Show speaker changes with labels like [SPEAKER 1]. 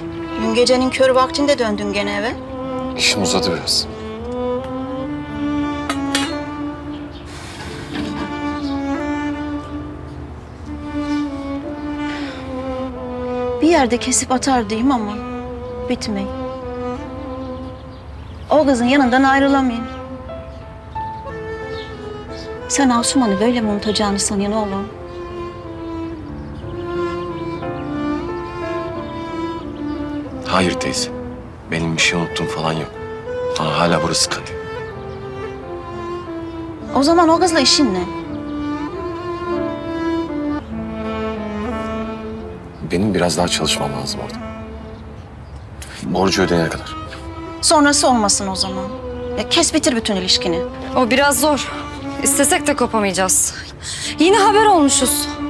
[SPEAKER 1] Dün gecenin kör vaktinde döndün gene eve.
[SPEAKER 2] İşim uzadı biraz.
[SPEAKER 1] Bir yerde kesip atar diyeyim ama bitmeyin. O kızın yanından ayrılamayın. Sen Asuman'ı böyle mi unutacağını sanıyorsun oğlum?
[SPEAKER 2] Hayır teyze. Benim bir şey unuttuğum falan yok. Ama hala burası kanıyor.
[SPEAKER 1] O zaman o kızla işin ne?
[SPEAKER 2] Benim biraz daha çalışmam lazım orada. Borcu ödeyene kadar.
[SPEAKER 1] Sonrası olmasın o zaman. Ya kes bitir bütün ilişkini.
[SPEAKER 3] O biraz zor. İstesek de kopamayacağız. Yine haber olmuşuz.